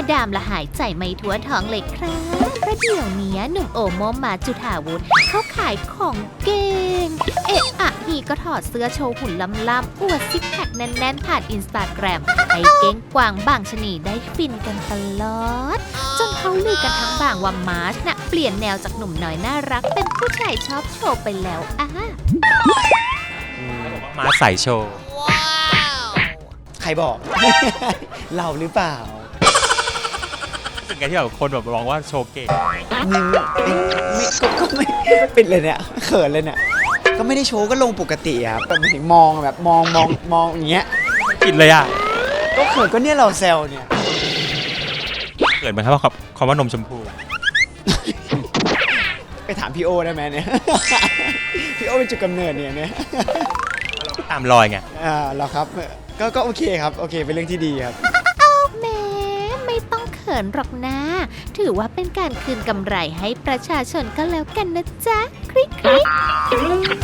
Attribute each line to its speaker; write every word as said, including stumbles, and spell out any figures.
Speaker 1: ดามละหายใจไม่ทั่วท้องเลยครับเพราะเดี๋ยวนี้หนุ่มโอโมมาจุฑาวุฒิเขาขายของเก่งเอะอะฮีก็ถอดเสื้อโชว์หุ่นล้ำๆอวดซิกแพคแน่นๆผ่านอินสตาแกรมให้เก้งกวางบางชนีได้ฟินกันตลอดจนเขาลือกันทั้งบางว่ามาร์ชน่ะเปลี่ยนแนวจากหนุ่มน้อยน่ารักเป็นผู้ชายชอบโชว์ไปแล้วอ่ะ
Speaker 2: มาใส่โชว์
Speaker 3: ใครบอก เราหรือเปล่า
Speaker 2: รู้สึกไงที่แบบคนแบบมองว่าโชว์เก่ง
Speaker 3: ไม่ไม่ก็ก็ไม่ปิดเลยเนี่ยเขินเลยเนี่ยก็ไม่ได้โชว์ก็ลงปกติครับแต่หมายถึงมองแบบมองมองมองอย่างเงี้ย
Speaker 2: ผิดเลยอ่ะ
Speaker 3: ก็เขินก็เนี่ยเราแซวเนี่ย
Speaker 2: เกิดไหมครับว่าคำว่านมชมพู
Speaker 3: ไปถามพี่โอได้ไหมเนี่ย พี่โอเป็นจุดกำเนิดเนี่ยเนี่ย
Speaker 2: ตามรอยไง
Speaker 3: อ่าเราครับก็ก็โอเคครับโอเคเป็นเรื่องที่ดีครับ
Speaker 1: แม้ไม่ต้องเขินหรอกนะถือว่าเป็นการคืนกำไรให้ประชาชนก็แล้วกันนะจ๊ะคลิกคลิก